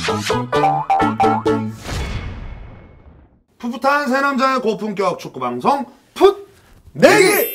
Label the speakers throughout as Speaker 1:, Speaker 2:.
Speaker 1: 풋풋한 세 남자의 고품격 축구 방송 풋 내기.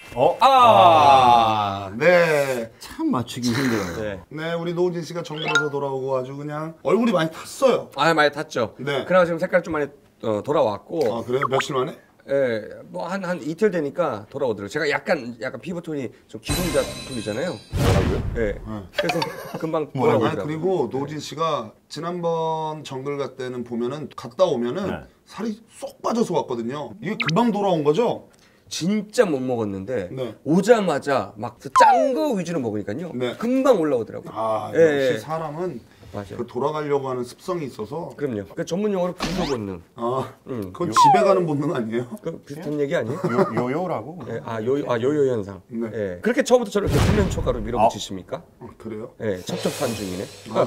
Speaker 1: 네.
Speaker 2: 참 맞추기 힘들어요.
Speaker 1: 네, 우리 노우진 씨가 정글에서 돌아오고 아주 그냥 얼굴이 많이 탔어요.
Speaker 3: 아, 많이 탔죠.
Speaker 1: 네.
Speaker 3: 그래서 지금 색깔 좀 많이 돌아왔고.
Speaker 1: 아, 그래요? 며칠 만에?
Speaker 3: 예, 뭐 한 이틀 되니까 돌아오더라고요. 제가 약간 피부 톤이 좀 기동자 톤이잖아요.
Speaker 1: 뭐라고요?
Speaker 3: 예. 그래서 금방
Speaker 1: 아니,
Speaker 3: 돌아오더라고요.
Speaker 1: 그리고 노우진 씨가 지난번 정글 갈 때는 보면은 갔다 오면은 살이 쏙 빠져서 왔거든요. 이게 금방 돌아온 거죠?
Speaker 3: 진짜 못 먹었는데
Speaker 1: 네.
Speaker 3: 오자마자 막 짠 거 위주로 먹으니까요.
Speaker 1: 네.
Speaker 3: 금방 올라오더라고요.
Speaker 1: 아,
Speaker 3: 예,
Speaker 1: 역시 사람은
Speaker 3: 맞아요.
Speaker 1: 그 돌아가려고 하는 습성이 있어서.
Speaker 3: 그럼요. 그 전문 용어로 분노 본능.
Speaker 1: 아, 그건 집에 가는 본능 아니에요?
Speaker 3: 그 비슷한 얘기 아니에요?
Speaker 2: 요요라고?
Speaker 3: 예, 요요 현상.
Speaker 1: 네.
Speaker 3: 예. 그렇게 처음부터 저를 이렇게 훈련 초과로 밀어붙이십니까?
Speaker 1: 그래요?
Speaker 3: 예, 첩첩한 중이네.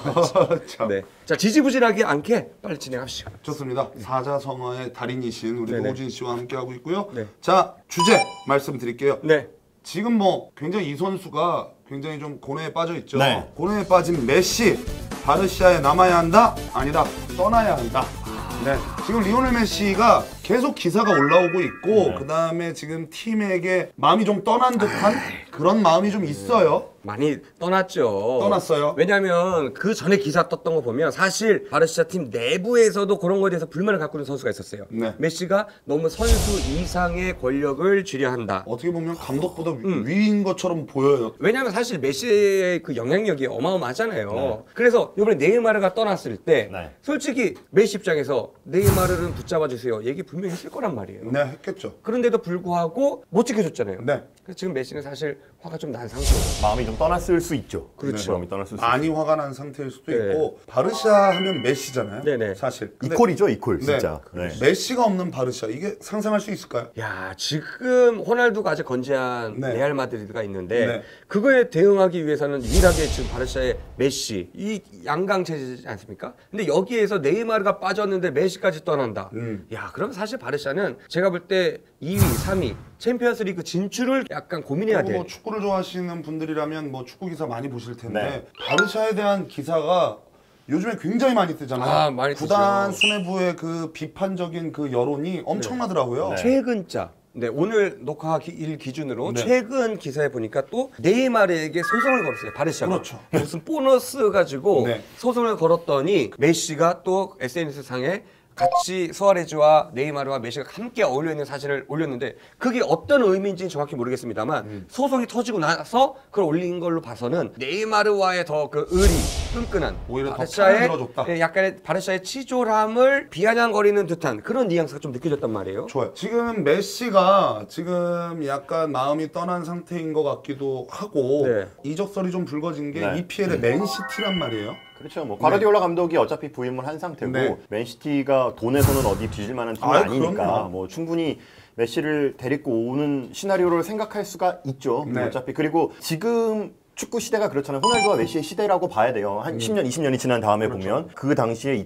Speaker 1: 참.
Speaker 3: 네. 자, 지지부진하게 않게 빨리 진행합시다.
Speaker 1: 좋습니다. 사자성어의 달인이신 우리
Speaker 3: 네네.
Speaker 1: 노우진 씨와 함께 하고 있고요.
Speaker 3: 네.
Speaker 1: 자, 주제 말씀드릴게요.
Speaker 3: 네.
Speaker 1: 지금 뭐 굉장히 이 선수가 굉장히 좀 고뇌에 빠져 있죠.
Speaker 2: 네.
Speaker 1: 고뇌에 빠진 메시, 바르시아에 남아야 한다? 아니다. 떠나야 한다. 네. 지금 리오넬 메시가 계속 기사가 올라오고 있고 그다음에 지금 팀에게 마음이 좀 떠난 듯한 그런 마음이 좀 있어요.
Speaker 3: 많이 떠났죠.
Speaker 1: 떠났어요.
Speaker 3: 왜냐하면 그 전에 기사 떴던 거 보면 사실 바르시아 팀 내부에서도 그런 거에 대해서 불만을 갖고 있는 선수가 있었어요.
Speaker 1: 네.
Speaker 3: 메시가 너무 선수 이상의 권력을 쥐려 한다.
Speaker 1: 어떻게 보면 감독보다 위인 것처럼 보여요.
Speaker 3: 왜냐하면 사실 메시의 그 영향력이 어마어마하잖아요. 그래서 이번에 네이마르가 떠났을 때 솔직히 메시 입장에서 네이마르는 붙잡아 주세요. 얘기 분명히 했을 거란 말이에요.
Speaker 1: 네, 했겠죠.
Speaker 3: 그런데도 불구하고 못 지켜줬잖아요.
Speaker 1: 네.
Speaker 3: 그래서 지금 메시는 사실 화가 좀 난 상태예요.
Speaker 2: 마음이 좀 떠났을 수 있죠.
Speaker 3: 그렇죠.
Speaker 2: 마음이 떠났을 수
Speaker 1: 많이 화가 난 상태일 수도
Speaker 3: 네.
Speaker 1: 있고 바르샤 하면 메시잖아요.
Speaker 3: 네네.
Speaker 1: 사실. 근데
Speaker 2: 이퀄이죠, 이퀄 진짜.
Speaker 1: 네. 메시가 없는 바르샤 이게 상상할 수 있을까요?
Speaker 3: 야, 지금 호날두가 아직 건재한
Speaker 1: 네.
Speaker 3: 레알 마드리드가 있는데
Speaker 1: 네.
Speaker 3: 그거에 대응하기 위해서는 유일하게 지금 바르샤의 메시 이 양강 체제지 않습니까? 근데 여기에서 네이마르가 빠졌는데 메시까지 떠난다. 야, 그럼 사실 바르샤는 제가 볼 때 2위, 3위 챔피언스리그 진출을 약간 고민해야 돼.
Speaker 1: 뭐 축구를 좋아하시는 분들이라면 뭐 축구 기사 많이 보실 텐데
Speaker 2: 네.
Speaker 1: 바르샤에 대한 기사가 요즘에 굉장히 많이 뜨잖아요.
Speaker 3: 아, 많이
Speaker 1: 구단
Speaker 3: 뜨죠.
Speaker 1: 수뇌부의 그 비판적인 그 여론이 엄청나더라고요.
Speaker 3: 최근자. 네, 오늘 녹화일 기준으로
Speaker 1: 네.
Speaker 3: 최근 기사에 보니까 또 네이마르에게 소송을 걸었어요. 바르샤가.
Speaker 1: 그렇죠.
Speaker 3: 무슨 보너스 가지고
Speaker 1: 네.
Speaker 3: 소송을 걸었더니 메시가 또 SNS 상에 같이 수아레즈와 네이마르와 메시가 함께 어울려 있는 사진을 올렸는데 그게 어떤 의미인지는 정확히 모르겠습니다만 소송이 터지고 나서 그걸 올린 걸로 봐서는 네이마르와의 더 그 의리 끈끈한
Speaker 1: 오히려 더
Speaker 3: 바르샤의
Speaker 1: 편을 들어줬다.
Speaker 3: 약간의 바르샤의 치졸함을 비아냥거리는 듯한 그런 뉘앙스가 좀 느껴졌단 말이에요.
Speaker 1: 좋아요. 지금 메시가 지금 약간 마음이 떠난 상태인 것 같기도 하고
Speaker 3: 네.
Speaker 1: 이적설이 좀 불거진 게
Speaker 2: 네.
Speaker 1: EPL의 맨시티란 말이에요.
Speaker 2: 그렇죠. 뭐 과르디올라 감독이 어차피 부임을 한 상태고
Speaker 1: 네.
Speaker 2: 맨시티가 돈에서는 어디 뒤질 만한 팀은
Speaker 1: 아유,
Speaker 2: 아니니까
Speaker 1: 그럼요.
Speaker 2: 뭐 충분히 메시를 데리고 오는 시나리오를 생각할 수가 있죠.
Speaker 1: 네.
Speaker 2: 어차피 그리고 지금 축구 시대가 그렇잖아요. 호날두와 메시의 시대라고 봐야 돼요. 한 10년, 20년이 지난 다음에 보면 그 당시에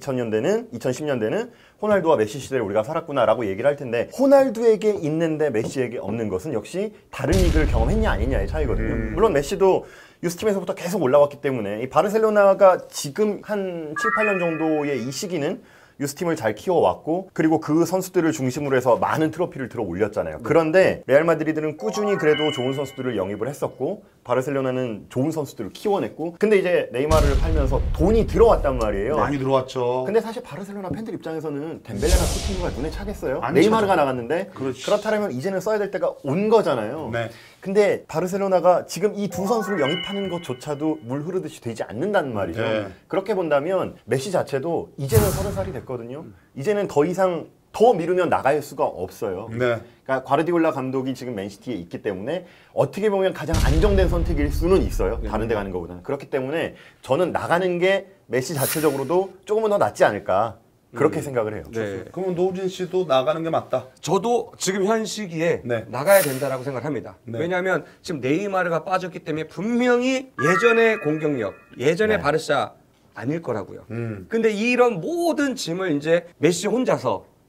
Speaker 2: 2010년대는 호날두와 메시 시대를 우리가 살았구나라고 얘기를 할 텐데 호날두에게 있는데 메시에게 없는 것은 역시 다른 리그를 경험했냐 아니냐의 차이거든요. 물론 메시도 유스팀에서부터 계속 올라왔기 때문에 이 바르셀로나가 지금 한 7, 8년 정도의 이 시기는 유스팀을 잘 키워왔고 그리고 그 선수들을 중심으로 해서 많은 트로피를 들어 올렸잖아요. 그런데 레알 마드리드는 꾸준히 그래도 좋은 선수들을 영입을 했었고 바르셀로나는 좋은 선수들을 키워냈고 근데 이제 네이마르를 팔면서 돈이 들어왔단 말이에요.
Speaker 1: 많이 들어왔죠.
Speaker 2: 근데 사실 바르셀로나 팬들 입장에서는 덴벨레나 쿠티뉴가 눈에 차겠어요?
Speaker 1: 안
Speaker 2: 네이마르가
Speaker 1: 차죠.
Speaker 2: 나갔는데
Speaker 1: 그렇지.
Speaker 2: 그렇다면 이제는 써야 될 때가 온 거잖아요.
Speaker 1: 네.
Speaker 2: 근데 바르셀로나가 지금 이 두 선수를 영입하는 것조차도 물 흐르듯이 되지 않는다는 말이죠.
Speaker 1: 네.
Speaker 2: 그렇게 본다면 메시 자체도 이제는 30살이 됐거든요. 이제는 더 이상 더 미루면 나갈 수가 없어요.
Speaker 1: 네.
Speaker 2: 그러니까 과르디올라 감독이 지금 맨시티에 있기 때문에 어떻게 보면 가장 안정된 선택일 수는 있어요. 다른 데 가는 것보다는. 그렇기 때문에 저는 나가는 게 메시 자체적으로도 조금은 더 낫지 않을까. 그렇게 생각을 해요.
Speaker 3: 네.
Speaker 1: 그러면 노우진 씨도 나가는 게 맞다.
Speaker 3: 저도 지금 현 시기에
Speaker 1: 네.
Speaker 3: 나가야 된다라고 생각합니다.
Speaker 1: 네.
Speaker 3: 왜냐하면 지금 네이마르가 빠졌기 때문에 분명히 예전의 공격력, 예전의 바르샤 아닐 거라고요. 근데 이런 모든 짐을 이제 메시 혼자서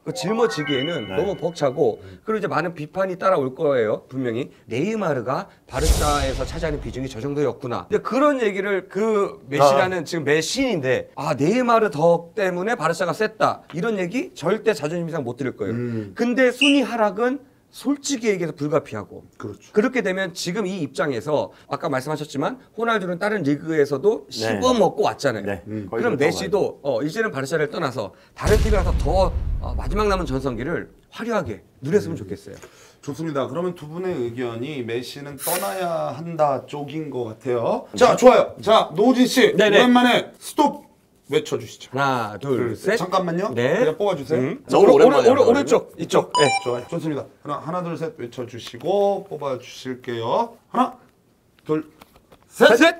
Speaker 3: 그 짊어지기에는 너무 벅차고 그리고 이제 많은 비판이 따라올 거예요. 분명히 네이마르가 바르사에서 차지하는 비중이 저 정도였구나. 근데 그런 얘기를 그 메시라는 지금 메신인데 네이마르 덕 때문에 바르사가 셌다 이런 얘기 절대 자존심 이상 못 들을 거예요. 근데 순위 하락은 솔직히 얘기해서 불가피하고
Speaker 1: 그렇죠.
Speaker 3: 그렇게 되면 지금 이 입장에서 아까 말씀하셨지만 호날두는 다른 리그에서도 씹어먹고 왔잖아요.
Speaker 2: 네. 거의
Speaker 3: 그럼
Speaker 2: 그렇다고
Speaker 3: 메시도 이제는 바르샤를 떠나서 다른 팀에 가서 더 마지막 남은 전성기를 화려하게 누렸으면 좋겠어요.
Speaker 1: 좋습니다. 그러면 두 분의 의견이 메시는 떠나야 한다 쪽인 것 같아요. 자, 좋아요. 자, 노진 씨
Speaker 3: 네네.
Speaker 1: 오랜만에 스톱 외쳐주시죠.
Speaker 3: 하나, 둘, 셋.
Speaker 1: 잠깐만요.
Speaker 3: 네.
Speaker 1: 그냥 뽑아주세요.
Speaker 2: 너무 오랜만에 하는
Speaker 3: 오른쪽 이쪽. 네.
Speaker 1: 좋아요. 좋습니다. 하나, 둘, 셋 외쳐주시고 뽑아주실게요. 하나, 둘, 셋.
Speaker 3: 셋.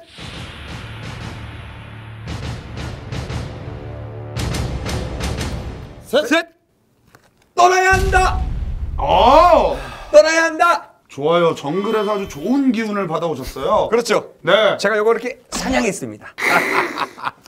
Speaker 3: 셋. 떠나야 한다. 떠나야 한다.
Speaker 1: 좋아요. 정글에서 아주 좋은 기운을 받아오셨어요.
Speaker 3: 그렇죠.
Speaker 1: 네.
Speaker 3: 제가 요거 이렇게 사냥했습니다.